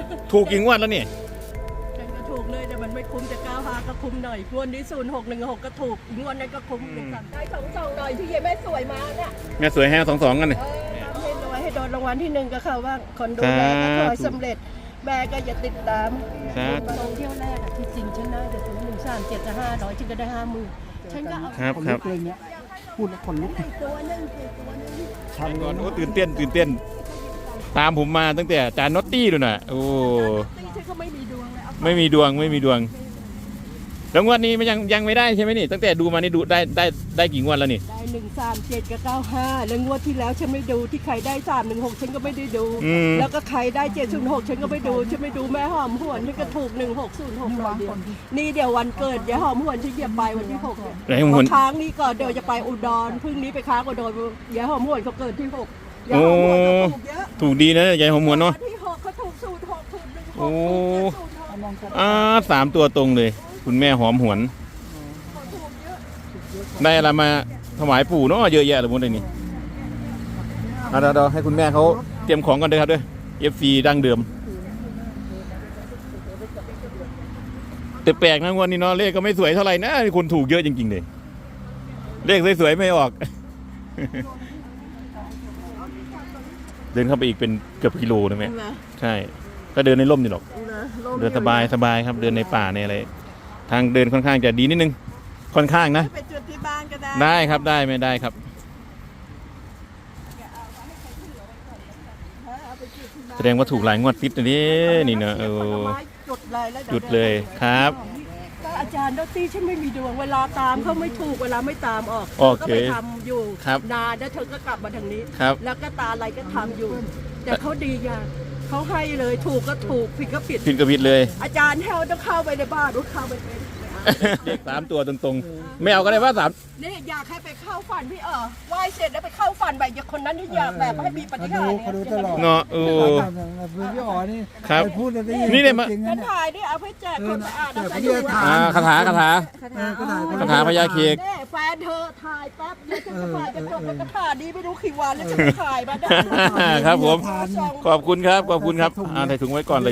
ถูกกี่งวดแล้วนี่ฉันก็ถูกเลยแต่มันไม่คุ้มจะ95ก็คุ้มหน่อยงวดนี้0616ก็ถูกงวดนั้นก็คุ้มได้2หน่อยที่ยายแม่สวยมาเนี่ยแม่สวยให้22กันเลยให้รวยให้โดนรางวัลที่1ก็เขาว่าคนดูแลก็ขอสำเร็จแม่ก็อย่าติดตามลงเที่ยวแรกที่จริงฉันน่าจะถึง137จะ500ฉันก็ได้50,000ฉันก็เอาครับพูดแล้วคนลุกตัวนึงชันก่อนโอ้ตื่นเต้นตามผมมาตั้งแต่อาจารย์น็อตตี้ด้วยนะโอ้ฉันก็ไม่มีดวงเลยไม่มีดวงแล้วงวดนี้มันยังไม่ได้ใช่ไหมนี่ตั้งแต่ดูมานี่ดูได้กี่งวดแล้วนี่ได้137กับ95แล้วงวดที่แล้วฉันไม่ดูที่ใครได้316ฉันก็ไม่ได้ดูแล้วก็ใครได้706ฉันก็ไม่ดูฉันไม่ดูแม่หอมหวนฉันก็ถูก1606นี่เดี๋ยววันเกิดยายหอมหวนฉันจะไปวันที่6เนี่ยค้างนี้ก่อนเดี๋ยวจะไปอุดรพรุ่งนี้ไปค้างอุดรยายหอมหวนเขาเกิดที่6ยายหอมหวนเขาถูกเยอะถูกดีนะยายหอมหวนเนาะที่6เขาถูกสูตร6ถูก16 โอ้3ตัวตรงเลยคุณแม่หอมหวนได้อะไรมาถวายปู่เนาะเยอะแยะเลยหมดเลยนี่เราให้คุณแม่เขาเตรียมของกันเลยครับด้วย FC ดั้งเดิมแต่แปลกนะวันนี้เนาะเลขก็ไม่สวยเท่าไหร่นะคนถูกเยอะจริงๆเลยเลขสวยๆไม่ออกเดินเข้าไปอีกเป็นเกือบกิโลนะแม่ใช่ก็เดินในร่มนี่หรอกเดินสบายครับเดินในป่าในอะไรทางเดินค่อนข้างจะดีนิดนึงค่อนข้างนะไปจุดที่บ้านก็ได้ครับได้ไม่ได้ครับแสดงว่าถูกหลายงวดติดนี่เนอะจุดเลยครับก็อาจารย์ดรฉันไม่มีดวงเวลาตามเขาไม่ถูกเวลาไม่ตามออกก็ไปทำอยู่นานแล้วเธอก็กลับมาทางนี้แล้วก็ตาอะไรก็ทำอยู่แต่เขาดีอย่างเขาให้เลยถูกก็ถูกผิดก็ผิดเลยอาจารย์แถวต้องเข้าไปในบ้านรู้เข้าไปเป็นเด็ก3ตัวตรงๆไม่เอาก็ได้ว่า3 นี่อยากให้ไปเข้าฝันพี่ไหว้เสร็จแล้วไปเข้าฝันแบบอย่างคนนั้นที่อยากแบบให้มีปฏิหารเขาดูตลอดเนาะพี่อ๋อนี่ครับพูดนี่เนี่ยมาถ่ายนี่เอาไปแจกคนอ่านเอาไปดูคาถาพญาเค้กแฟนเธอถ่ายแป๊บเดียวจะถ่ายกันจบแล้วก็ถ่ายดีไม่รู้กี่วันแล้วจะถ่ายมาได้ครับผมขอบคุณครับใส่ถุงไว้ก่อน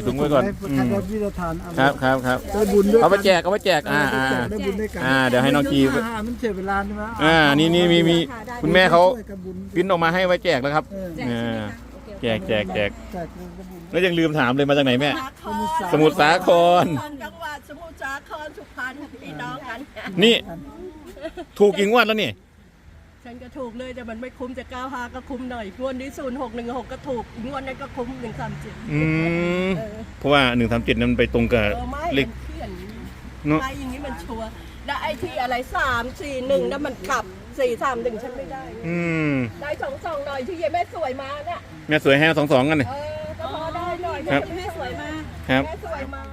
ครับเอาไปแจกเดี๋ยวให้น้องกีมันเสียเวลาใช่ไหมนี่มีคุณแม่เขาพิมพ์ออกมาให้ไว้แจกแล้วครับแจกแล้วยังลืมถามเลยมาจากไหนแม่สมุทรสาครจังหวัดสมุทรสาครสุพรรณพี่น้องกันนี่ถูกกี่งวดแล้วนี่ฉันก็ถูกเลยแต่มันไม่คุ้มจะ95ก็คุ้มหน่อยงวดนี้0616ก็ถูกงวดนั้นก็คุ้ม137 เพราะว่า137นั้นไปตรงกับเลขเนาะไอ้อย่างนี้มันชัวร์แล้วไอ้ที่อะไร341นั่นมันกลับ431ฉันไม่ได้ได้22หน่อยที่ยายแม่สวยมาเนี่ยแม่สวยให้22กันเลยก็พอได้หน่อยแม่สวยมาแม่สวยมา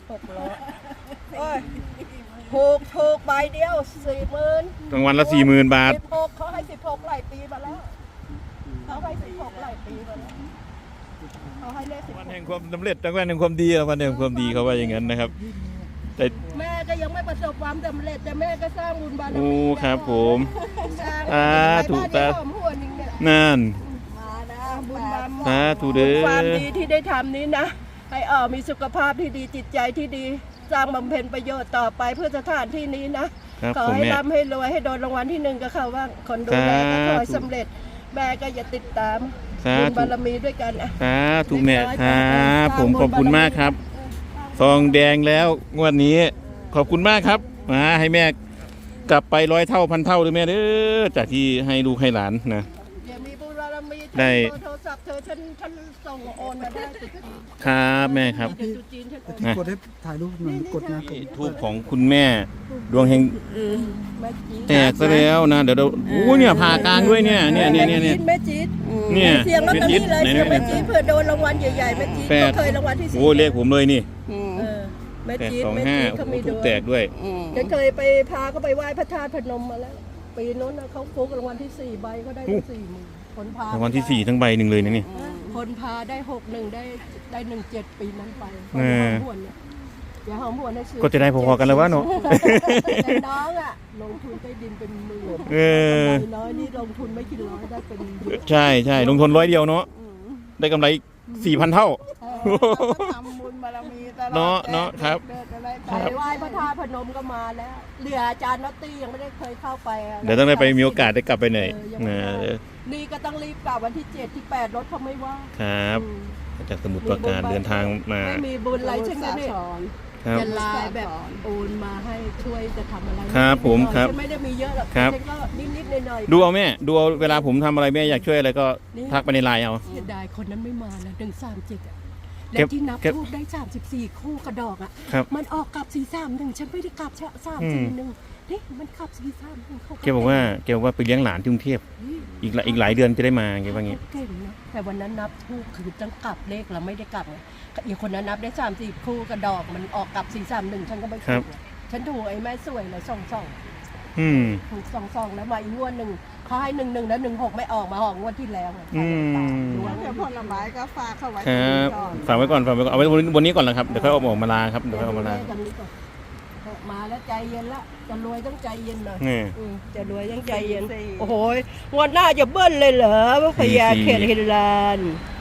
ถูกใบเดียว40,000 รางวัลละ40,000 บาท 16เขาให้16หลายปีมาแล้วเขาให้16หลายปีมาแล้วเขาให้เลขวันแห่งความสำเร็จวันแห่งความดีวันแห่งความดีเขาว่าอย่างนั้นนะครับแต่แม่ก็ยังไม่ประสบความสำเร็จแต่แม่ก็สร้างบุญบารมีครับผมถูกตานั่นบุญบารมีถูกเด้อความดีที่ได้ทำนี้นะให้มีสุขภาพที่ดีจิตใจที่ดีสร้างบำเพ็ญประโยชน์ต่อไปเพื่อสถานที่นี้นะขอให้ร่ำให้รวยให้โดนรางวัลที่1ก็เขาว่าคนดูแลก็ขอให้สำเร็จแม่ก็อย่าติดตามบุญบารมีด้วยกันถูกแม่ครับผมขอบคุณมากครับซองแดงแล้วงวดนี้ขอบคุณมากครับให้แม่กลับไป100 เท่า1,000 เท่าเลยแม่เด้อจากที่ให้ลูกให้หลานนะได้โทรศัพท์เธอฉันส่งโอนมาได้ครับแม่ครับกดให้ถ่ายรูปหน่อยกดนะทูบของคุณแม่ดวงเฮงแตกซะแล้วนะเดี๋ยวเนี่ยผ่ากลางด้วยเนี่ยแม่จี๊ดเนี่ยเสียงลอตเตอรี่เลยเสียงแม่จี๊ดเผื่อโดนรางวัลใหญ่ๆแม่จี๊ดก็เคยรางวัลที่4 เลขผมเลยนี่แม่จี๊ดเขามีถูกแตกด้วยฉันเคยไปพาเขาไปไหว้พระธาตุพนมมาแล้วปีนู้นเขาฟุกรางวัลที่4ใบก็ได้40,000คนพารางวัลที่4ทั้งใบหนึ่งเลยนะนี่คนพาได้61ได้17ปีนั้นไปอย่าหอมหวนนะก็จะได้พอๆกันแล้ววะเนาะน้องลงทุนใต้ดินเป็นหมื่นน้อยนี่ลงทุนไม่กี่ร้อยได้เป็นใช่ลงทุน100 เดียวเนาะได้กำไร4,000 เท่าทำบุญบารมีตลอดเนาะครับเดินอะไรไปไหว้พระธาตุพนมก็มาแล้วเหลืออาจารย์น็อตตี้ยังไม่ได้เคยเข้าไปอะเดี๋ยวต้องได้ไปมีโอกาสได้กลับไปหน่อยยังไม่นะได้นี่ก็ต้องรีบกลับวันที่7ที่8รถเขาไม่ว่างครับอืมจากสมุทรปราการเดินทางมาไม่มีบุญอะไรใช่ไหมเนี่ยครับจะไลน์แบบโอนมาให้ช่วยจะทำอะไรครับผมครับฉันไม่ได้มีเยอะหรอกครับฉันก็นิดๆหน่อยๆดูเอาแม่ดูเอาเวลาผมทำอะไรแม่อยากช่วยอะไรก็ทักไปในไลน์เอาเสียดายคนนั้นไม่มาแล้ว137อ่ะเก็แล้บวที่นับเก็บทูบได้34คู่กระดอกอ่ะครับมันออกกลับ431ฉันไม่ได้กลับ341นี่มันกลับ431เขาแกบอกว่าไปเลี้ยงหลานที่กรุงเทพอีกหลายเดือนจะได้มาแกว่างี้เก่งนะแต่วันนั้นนับทูบคือต้องกลับเลขเราไม่ได้กลับไงอีกคนนั้นนับได้30คู่กระดอกมันออกกลับ431ฉันก็ไม่ถูกไงฉันถูกไอ้แม่สวยเลย2 อืมถูก2แล้วมาอีกงวดหนึ่งเขาให้11แล้ว16ไม่ออกมาออกงวดที่แล้วไงอืมดวงเดี๋ยวผลไม้ก็ฝากเข้าไว้คตรงรันี้บก่อนฝากไว้ก่อนเอาไว้บนนี้ก่อนแล้วครับเดี๋ยวค่อยเอาออกมาลาครับเดี๋ยวค่อยเอามาลากันนี้ก่อนมาแล้วใจเย็นละจะรวยต้องใจเย็นหน่อยนี่จะรวยต้องใจเย็นโอ้โหงวดหน้าจะเบิ้ลเลยเหรอพญาเขตฮินลาน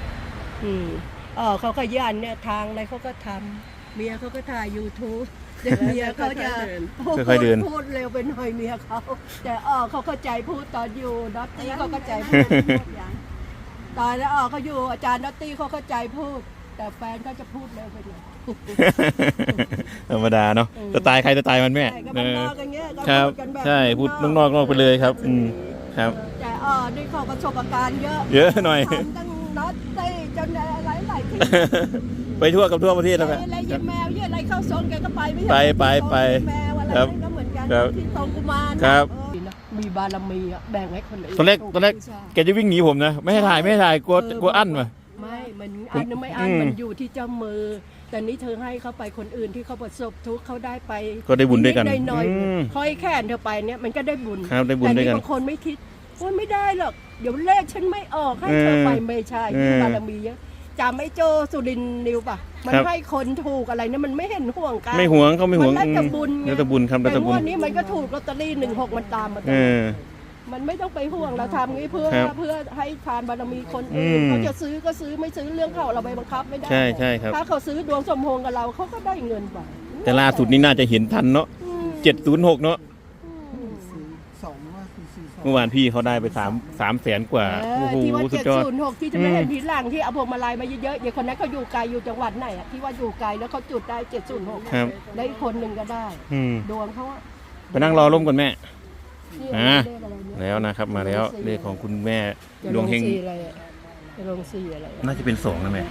เขาขยันเนี่ยทางอะไรเขาก็ทำเมียเขาก็ถ่าย YouTube เดี๋ยวเมียเขาจะพูดเร็วไปหน่อยเมียเขาแต่เขาเข้าใจพูดตอนอยู่ดอตตี้เขาเข้าใจพูดตอนแล้วเขาอยู่อาจารย์ดอตตี้เขาเข้าใจพูด แต่แฟนเขาจะพูดเร็วไปหน่อยธรรมดาเนาะสไตล์ใครสไตล์มันแม่ใช่ก็บ้านนอกอย่างเงี้ยก็ครับพูดกันแบบใช่พูดนอกไปเลยครับครับแต่นี่เขาประสบการณ์เยอะเยอะหน่อยทำตั้งน็อตตี้จนอะไรหลายที่ไปทั่วกับทั่วประเทศแล้วแม่อะไรยิงแมวเยอะอะไรเข้าทรงแกก็ไปไม่ใช่ไปแมวอะไรครับก็เหมือนกันครับที่ทรงกุมารครับมีบารมีอะแบ่งให้คนอื่นตอนแรกแกจะวิ่งหนีผมนะไม่ให้ถ่ายกลัวอั้นมาไม่มันอันไม่อันมันอยู่ที่เจ้ามือ แต่นี้เธอให้เขาไปคนอื่นที่เขาประสบทุกข์เขาได้ไปก็ได้บุญด้วยกันหน่อยอืมๆค่อยแค่นเธอไปเนี่ยมันก็ได้บุญครับได้บุญด้วยกันแต่บางคนไม่คิดว่าไม่ได้หรอกเดี๋ยวเลขฉันไม่ออกให้เธอไปไม่ใช่ที่บารมีเยอะจำไม่โจสุรินทร์นิวป่ะมันให้คนถูกอะไรเนี่ยมันไม่เห็นห่วงกันไม่หวงเขาไม่หวงมันแล้วแต่บุญไงแล้วแต่บุญครับแล้วแต่แต่บุญวันนี้มันก็ถูกลอตเตอรี่16มันตามมาตเอลอดอมันไม่ต้องไปห่วงเราทำงี้เพื่อครับให้ทานบารมีคนอื่นอืมเขาจะซื้อก็ซื้อไม่ซื้อเรื่องเขาเราไปบังคับไม่ได้ใช่ครับถ้าเขาซื้อดวงสมพงษ์กับเราเขาก็ได้เงินไปแต่ล่าสุดนี่น่าจะเห็นทันเนาะอืม 706เนาะ 42ว่า442 เมื่อวานพี่เขาได้ไป3 แสนกว่าเอโอ้อโหที่ว่าสุดยอด 706ที่จะไม่เห็นทีหลังที่เอาพวงมาลัยมาเยอะๆอย่างคนนั้นเขาอยู่ไกลอยู่จังหวัดไหนอะที่ว่าอยู่ไกลแล้วเขาจุดได้706 ครับได้คนหนึ่งก็ได้อืมดวงเขาอะไปนั่งรอร่มก่อนแม่นี่อ่าเลขอะไรเนี่ยแล้วนะครับมาแล้วเลขของคุณแม่จะดลวงงเฮงสีอะไรอะจะลงสีอะไรอะน่าจะเป็น2นะแม่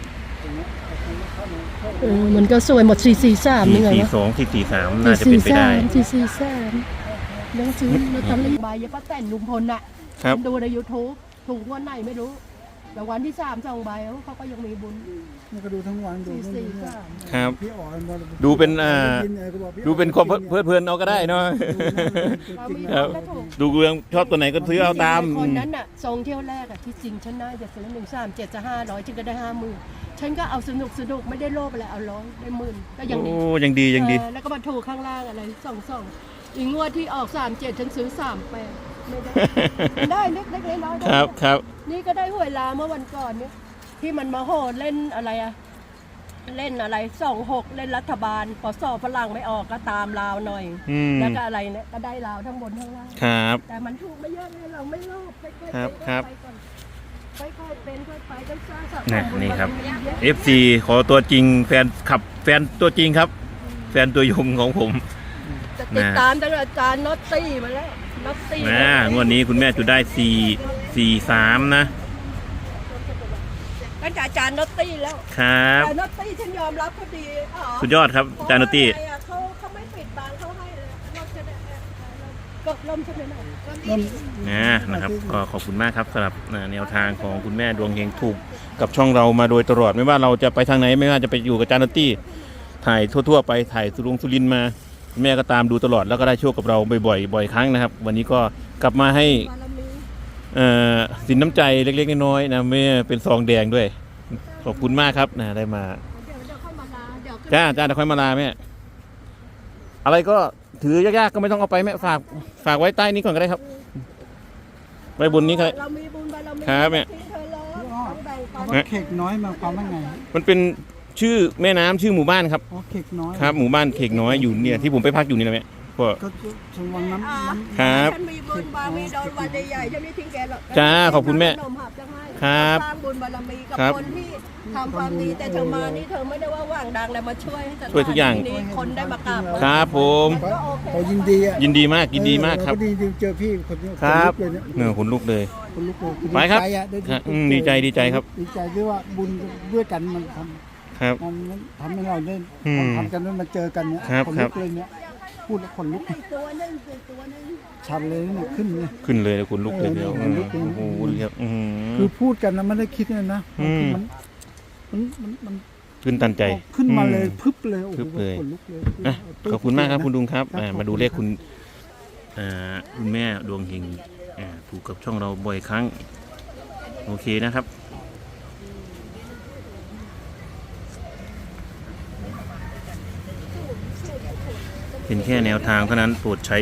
มันก็สวยหมด443นี่ไงวะ 442 443น่าจะเป็นไปได้ 443ยังซื้อลอตเตอรี่ใบยังป้าแต่นลุงพลน่ะครับดูใน YouTube ถูกงวันไหนไม่รู้ แต่วันที่3 2ใบเขาก็ยังมีบุญมันก็ดูทั้งวันดูนู่นนี่นั่น 443 ครับพี่อ๋อมันบอกดูเป็นกินก็บอกพี่ดูเป็นความเพลิดเพลินเอาก็ได้เนาะเรามีครับก็ถูกดูเรื่องชอบตัวไหนก็ซื้อเอาตามคนนั้นน่ะทรงเที่ยวแรกอะที่จริงฉันน่าจะซื้อ137จะ500ฉันก็ได้50,000ฉันก็เอาสนุกไม่ได้โลภอะไรเอา100ได้10,000ก็ยังดีโอ้ยังดียังดีแล้วก็มาถูกข้างล่างอะไร2อีกงวดที่ออก37ฉันซื้อ38ไม่ได้ ได้เล็กๆน้อยๆได้ครับครับนี่ก็ได้หวยลาเมื่อวันก่อนเนี่ยที่มันมาโหดเล่นอะไรอะเล่นอะไร26เล่นรัฐบาลพอสอบฝรั่งไม่ออกก็ตามลาวหน่อยอืมแล้วก็อะไรเนี่ยก็ได้ลาวทั้งบนทั้งล่างครับแต่มันถูกไม่เยอะเลยเราไม่โลภค่อยๆครับเป็นครับไปก่อนค่อยๆเป็นค่อยๆไปต้องสร้างสรรค์นี่บุญนี่ครับบารมีเยอะ FC ขอตัวจริงแฟนขับแฟนตัวจริงครับ แฟนตัวยงของผมจะติดตามตั้งแต่อาจารย์น็อตตี้มาแล้วน็อตตี้งวดนี้คุณแม่จุดได้443นะตั้งแต่อาจารย์น็อตตี้แล้วครับแต่น็อตตี้ฉันยอมรับเขาดีอ๋อสุดยอดครับอาจารย์นุตตี้เพราะว่าอะไรอะเขาไม่ปิดบังเขาให้เลยเราจะได้ก็ล่มใช่ไหมล่ะนะครับก็ขอบคุณมากครับสำหรับแนวทางของคุณแม่ดวงเฮงถูกกับช่องเรามาโดยตลอดไม่ว่าเราจะไปทางไหนไม่ว่าจะไปอยู่กับอาจารย์นุตตี้ถ่ายทั่วๆไปถ่ายสุรินทร์มาคุณแม่ก็ตามดูตลอดแล้วก็ได้โชคกับเราบ่อยครั้งนะครับ วันนี้ก็กลับมาให้บารมีสินน้ำใจเล็กๆน้อยๆนะแม่เป็นซองแดงด้วยขอบคุณมากครับนะได้มาเดี๋ยวค่อยมาลาเดี๋ยวจ้าเดี๋ยวค่อยมาลาแม่อะไรก็ถือยากๆก็ไม่ต้องเอาไปแม่ฝากไว้ใต้นี้ก่อนก็ได้ครับไว้บนนี้ก็ได้เรามีบุญบารมีครับแม่ทิ้งเธอเลยต้องแบ่งปันว่าเค้กน้อยมาความว่าไงมันเป็นชื่อแม่น้ำชื่อหมู่บ้านครับอ๋อเข็กน้อยครับหมู่บ้านเขกน้อยอยู่เนี่ยที่ผมไปพักอยู่นี่แหละแม่ก็ก็ชมวังน้ำครับฉันมีบุญบารมีโดนวันใหญ่ๆฉันไม่ทิ้งแกหรอกจ้าขอบคุณแม่ขนมหับจะให้ครับสร้างบุญบารมีกับครับคนที่ทำความดีแต่เธอมานี่เธอไม่ได้ว่าหว่างดังแล้วมาช่วยให้สถนช่วยทุกอย่างนี้คนได้มากราบครับผมมันก็โอเคพอยินดีอ่ะยินดีมากยินดีมากครับเออดีเจอพี่คนนี้ครับขนลุกเลยเนี่ยเนื้อขนลุกเลยคนลุกเลยไปครับดีใจอ่ะได้ครับดีใจดีใจครับดีใจที่ว่าบุญด้วยกันมันทครับำทำให้เราได้อืมทำกันแล้วมาเจอกันเนี่ยครับคนครัลุบกเลยเนี่ยพูดแล้วคนลุกตัวนึงตัวนึงชันเลยเนี่ยขึ้นเลยขึ้นเลยขนลุกเลยเดียวขนลุกเลยโอ้โหครับอื้อหืคือ อพูดกันนะไม่ได้คิดเลยนะอืมมันขึ้นตันใจขึ้นมาเลยอืมพึบเลยโอ้พึโหบเลยขนลุกเลยอ่ะขอบคุณมากครับคุณลุงครับครับมาดูเลขคุณคุณแม่ดวงเฮงถูกกับช่องเราบ่อยครั้งโอเคนะครับ เป็นแค่แนวทางเท่านั้นโปรดใช้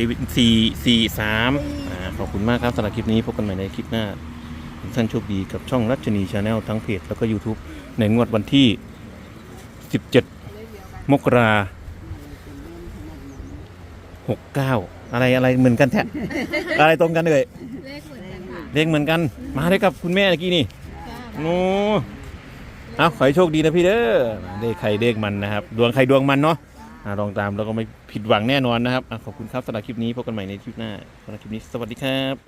443ขอบคุณมากครับสำหรับคลิปนี้พบกันใหม่ในคลิปหน้าทุกท่านโชคดีกับช่องรัชนีชาแนลทั้งเพจแล้วก็ YouTube ในงวดวันที่ 17 มกรา69 อะไรเหมือนกันแท้ อะไรตรงกันเลยเลขเหมือนกันมาได้กับคุณแม่เมื่อกี้นี่โอ้เอาขอให้โชคดีนะพี่เด้อเลขใครเลขมันนะครับดวงใครดวงมันเนาะลองตามแล้วก็ไม่ผิดหวังแน่นอนนะครับขอบคุณครับสำหรับคลิปนี้พบกันใหม่ในคลิปหน้าสำหรับคลิปนี้สวัสดีครับ